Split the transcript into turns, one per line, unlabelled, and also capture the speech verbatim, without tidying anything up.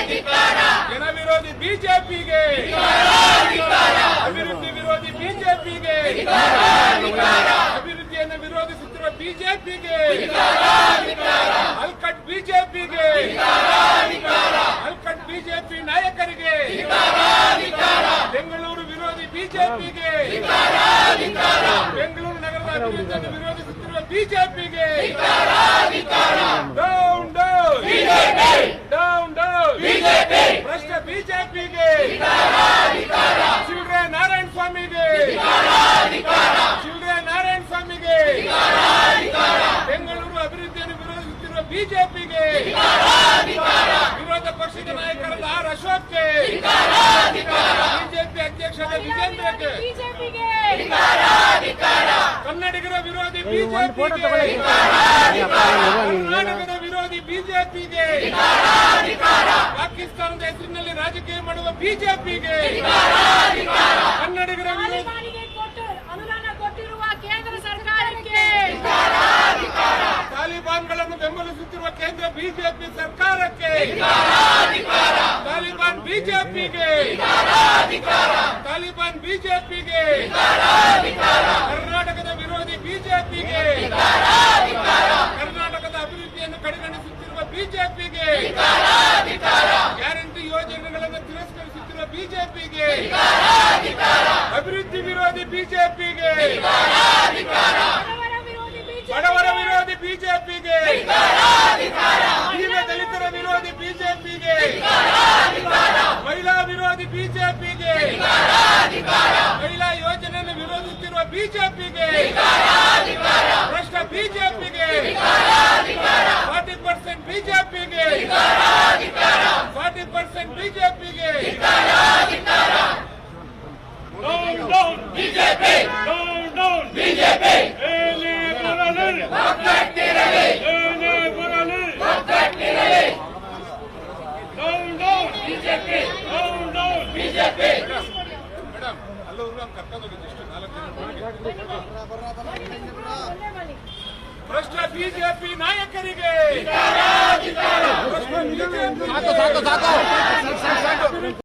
ಜನ ವಿರೋಧಿ ಬಿಜೆಪಿಗೆ, ಅಭಿವೃದ್ಧಿ ವಿರೋಧಿ ಬಿಜೆಪಿಗೆ, ಅಭಿವೃದ್ಧಿಯನ್ನು ವಿರೋಧಿಸುತ್ತಿರುವ ಬಿಜೆಪಿಗೆ, ಅಲ್ಕಟ್ ಬಿಜೆಪಿಗೆ, ಅಲ್ಕಟ್ ಬಿಜೆಪಿ ನಾಯಕರಿಗೆ, ಬೆಂಗಳೂರು ವಿರೋಧಿ ಬಿಜೆಪಿಗೆ, ಬೆಂಗಳೂರು ನಗರದ ಅಭಿವೃದ್ಧಿಯನ್ನು ವಿರೋಧಿಸುತ್ತಿರುವ ಬಿಜೆಪಿಗೆ ಡೌನ್ ಡೌನ್ ಡೌನ್ ಡೌನ್ ಭ್ರಷ್ಟ ಬಿಜೆಪಿಗೆ, ಶಿವರೇ ನಾರಾಯಣ ಸ್ವಾಮಿಗೆ, ಶಿವರೇ ನಾರಾಯಣ ಸ್ವಾಮಿಗೆ, ಬೆಂಗಳೂರು ಅಭಿವೃದ್ಧಿಯನ್ನು ವಿರೋಧಿಸುತ್ತಿರುವ ಬಿಜೆಪಿಗೆ, ವಿರೋಧ ಪಕ್ಷದ ನಾಯಕರಾದ ಆರ್ ಅಶೋಕ್ಗೆ, ಬಿಜೆಪಿ ಅಧ್ಯಕ್ಷರಾದ ವಿಜೇಂದ್ರಗೆ, ಕನ್ನಡಿಗರ ವಿರೋಧಿ ಬಿಜೆಪಿಗೆ, ಕರ್ನಾಟಕದ ವಿರೋಧಿ ಬಿಜೆಪಿಗೆ, ಪಾಕಿಸ್ತಾನದ ಹೆಸರಿನಲ್ಲಿ ರಾಜಕೀಯ ಮಾಡುವ ಬಿಜೆಪಿಗೆ, ಕನ್ನಡಿಗರ ವಿರೋಧಿ
ಅನುದಾನ ಕೊಟ್ಟಿರುವ ಕೇಂದ್ರ ಸರ್ಕಾರಕ್ಕೆ,
ತಾಲಿಬಾನ್ಗಳನ್ನು ಬೆಂಬಲಿಸುತ್ತಿರುವ ಕೇಂದ್ರ ಬಿಜೆಪಿ ಸರ್ಕಾರಕ್ಕೆ, ತಾಲಿಬಾನ್ ಬಿಜೆಪಿಗೆ, ತಾಲಿಬಾನ್ ಬಿಜೆಪಿಗೆ, ಕರ್ನಾಟಕದ ವಿರೋಧಿ ಬಿಜೆಪಿಗೆ, ಕರ್ನಾಟಕದ ಅಭಿವೃದ್ಧಿಯನ್ನು ಕಡೆಗಣಿಸುತ್ತಿರುವ ಬಿಜೆಪಿಗೆ, ಗ್ಯಾರಂಟಿ ಯೋಜನೆಗಳನ್ನು ತಿರಸ್ಕರಿಸುತ್ತಿರುವ ಬಿಜೆಪಿಗೆ, ಅಭಿವೃದ್ಧಿ ವಿರೋಧಿ ಬಿಜೆಪಿಗೆ, ಬಡವರ ವಿರೋಧಿ ಬಿಜೆಪಿಗೆ, ದೀನ ದಲಿತರ ವಿರೋಧಿ ಬಿಜೆಪಿಗೆ, ಮಹಿಳಾ ವಿರೋಧಿ ಬಿಜೆಪಿಗೆ, ಮಹಿಳಾ ಯೋಜನೆಯನ್ನು ವಿರೋಧಿಸುತ್ತಿರುವ ಬಿಜೆಪಿಗೆ, ಭ್ರಷ್ಟ ಬಿಜೆಪಿಗೆ, ಫಾರ್ಟಿ ಪರ್ಸೆಂಟ್ ಬಿಜೆಪಿಗೆ, ಫಾರ್ಟಿ ಪರ್ಸೆಂಟ್ ಬಿಜೆಪಿಗೆ, down down BJP, down down BJP, ಏನೇ ಬರಲಿ ಒಗ್ಗಟ್ಟಿರಲಿ, ಏನೇ ಬರಲಿ ಒಗ್ಗಟ್ಟಿರಲಿ, down down BJP, down down BJP. Madam ಅಲ್ಲ ಹೋಗಿ ನಾವು ಕರ್ಕೊಂಡು ಹೋಗಿದ್ದು ಇಷ್ಟು ನಾಲ್ಕು ಜನ ಭ್ರಷ್ಟ ಬಿಜೆಪಿ ನಾಯಕರಿಗೆ, ಭ್ರಷ್ಟ ಬಿಜೆಪಿ